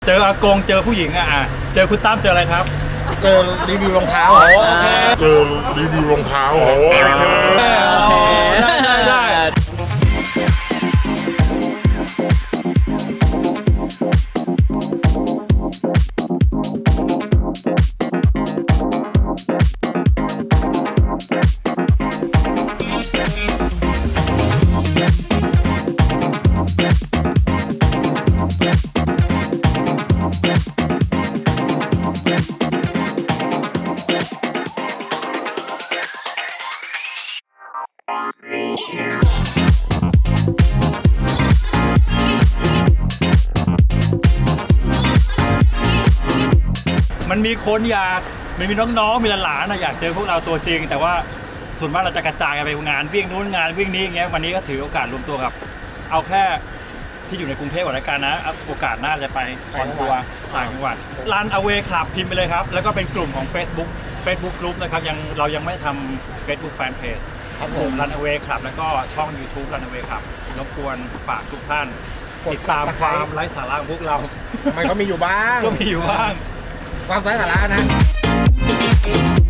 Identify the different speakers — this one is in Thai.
Speaker 1: เจออากงเจอผู้หญิงเจอคุณตั้มเจออะไรครับ
Speaker 2: เจอรีวิวรองเท้า
Speaker 1: โอเค
Speaker 2: เจอรีวิวรองเท้า
Speaker 1: ได้ มันมีคนมีน้องๆมีหลานๆอยากเจอพวกเราตัวจริงแต่ว่าส่วนมากเราจะกระจายกันไปงานวิ่งนู้นงานวิ่งนี้อย่างเงี้ยวันนี้ก็ถือโอกาสรวมตัวกับเอาแค่ที่อยู่ในกรุงเทพก่อนแล้วกันนะโอกาสหน้าจะไปคอนทัวร์ต่างจังหวัดรันอเวย์คลับพิมพ์ไปเลยครับแล้วก็เป็นกลุ่มของ Facebook กลุ่มนะครับเรายังไม่ทำ Facebook Fan Page
Speaker 2: ครับ
Speaker 1: ก
Speaker 2: ผ
Speaker 1: ลุ่
Speaker 2: ม
Speaker 1: มรันอเวย์คลับแล้วก็ช่อง YouTube รันอเวย์คลับรบกวนฝากทุกท่านติดตามความไร้สาระของพวกเรา
Speaker 2: มันก็มีอยู่บ้าง
Speaker 1: ก็มีอยู่บ้าง
Speaker 2: ความไร้สาระนะ